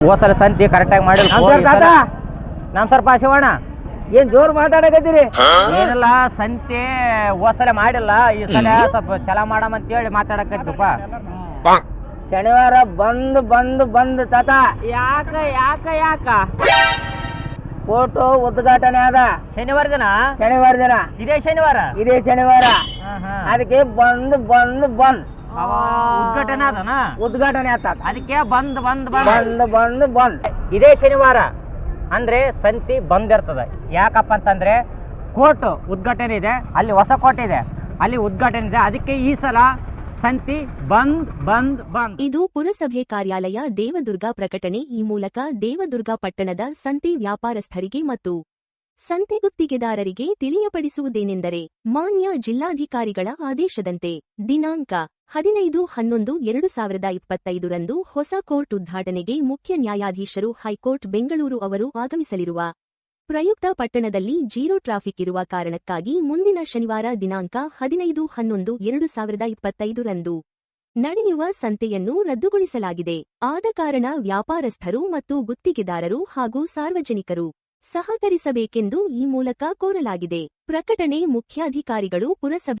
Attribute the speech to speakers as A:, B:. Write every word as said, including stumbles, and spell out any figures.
A: ಹೋಸಲ ಸಂತಿ ಕರೆಕ್ಟಾಗಿ ಮಾಡಿ ನಮ್ ಸರ್ ಶಿವಣ್ಣ
B: ಏನ್ ಜೋರ್ ಮಾತಾಡಕತ್ತೀರಿ?
A: ಏನಿಲ್ಲ ಸಂತಿ ಹೋಸಲ ಮಾಡಿಲ್ಲ, ಈ ಸಲ ಸ್ವಲ್ಪ ಚಲ ಮಾಡಮ್ ಅಂತ ಹೇಳಿ ಮಾತಾಡಕತ್ತಪ್ಪ.
B: ಶನಿವಾರ ಬಂದ್ ಬಂದ್ ಬಂದ್ ತಾತ.
A: ಯಾಕ ಯಾಕ ಯಾಕ
B: ಫೋಟೋ ಉದ್ಘಾಟನೆ ಅದ
A: ಶನಿವಾರ ದಿನ.
B: ಶನಿವಾರ ದಿನ
A: ಇದೇ ಶನಿವಾರ
B: ಇದೇ ಶನಿವಾರ ಅದಕ್ಕೆ ಬಂದ್ ಬಂದ್ ಬಂದ್
A: ಉದ್ಘಾಟನೆ ಅದನ
B: ಉದ್ಘಾಟನೆ ಆತ.
A: ಅದಕ್ಕೆ ಬಂದ್ ಬಂದ್
B: ಬಂದ್ ಬಂದ್ ಬಂದ್
A: ಇದೇ ಶನಿವಾರ ಅಂದ್ರೆ ಸಂತಿ ಬಂದ್ ಇರ್ತದ. ಯಾಕಪ್ಪ ಅಂತಂದ್ರೆ ಕೋರ್ಟ್ ಉದ್ಘಾಟನೆ ಇದೆ, ಅಲ್ಲಿ ಹೊಸ ಕೋಟೆ ಇದೆ, ಅಲ್ಲಿ ಉದ್ಘಾಟನೆ ಇದೆ. ಅದಕ್ಕೆ ಈ ಸಲ ಸಂತಿ ಬಂದ್ ಬಂದ್ ಬಂದ್.
C: ಇದು ಪುರಸಭೆ ಕಾರ್ಯಾಲಯ ದೇವದುರ್ಗ ಪ್ರಕಟಣೆ. ಈ ಮೂಲಕ ದೇವದುರ್ಗ ಪಟ್ಟಣದ ಸಂತೆ ವ್ಯಾಪಾರಸ್ಥರಿಗೆ ಮತ್ತು ಸಂತೆ ಗುತ್ತಿಗೆದಾರರಿಗೆ ತಿಳಿಯಪಡಿಸುವುದೇನೆಂದರೆ, ಮಾನ್ಯ ಜಿಲ್ಲಾಧಿಕಾರಿಗಳ ಆದೇಶದಂತೆ ದಿನಾಂಕ ಹದಿನೈದು ಹನ್ನೊಂದು ಎರಡು ಸಾವಿರದ ಇಪ್ಪತ್ತೈದರಂದು ಹೊಸ ಕೋರ್ಟ್ ಉದ್ಘಾಟನೆಗೆ ಮುಖ್ಯ ನ್ಯಾಯಾಧೀಶರು ಹೈಕೋರ್ಟ್ ಬೆಂಗಳೂರು ಅವರು ಆಗಮಿಸಲಿರುವ ಪ್ರಯುಕ್ತ ಪಟ್ಟಣದಲ್ಲಿ ಜೀರೋ ಟ್ರಾಫಿಕ್ ಇರುವ ಕಾರಣಕ್ಕಾಗಿ ಮುಂದಿನ ಶನಿವಾರ ದಿನಾಂಕ ಹದಿನೈದು ಹನ್ನೊಂದು ಎರಡು ಸಾವಿರದ ಇಪ್ಪತ್ತೈದರಂದು ನಡೆಯುವ ಸಂತೆಯನ್ನು ರದ್ದುಗೊಳಿಸಲಾಗಿದೆ. ಆದ ಕಾರಣ ವ್ಯಾಪಾರಸ್ಥರು ಮತ್ತು ಗುತ್ತಿಗೆದಾರರು ಹಾಗೂ ಸಾರ್ವಜನಿಕರು ಸಹಕರಿಸಬೇಕೆಂದು ಈ ಮೂಲಕ ಕೋರಲಾಗಿದೆ. ಪ್ರಕಟಣೆ ಮುಖ್ಯಾಧಿಕಾರಿಗಳು, ಪುರಸಭೆ.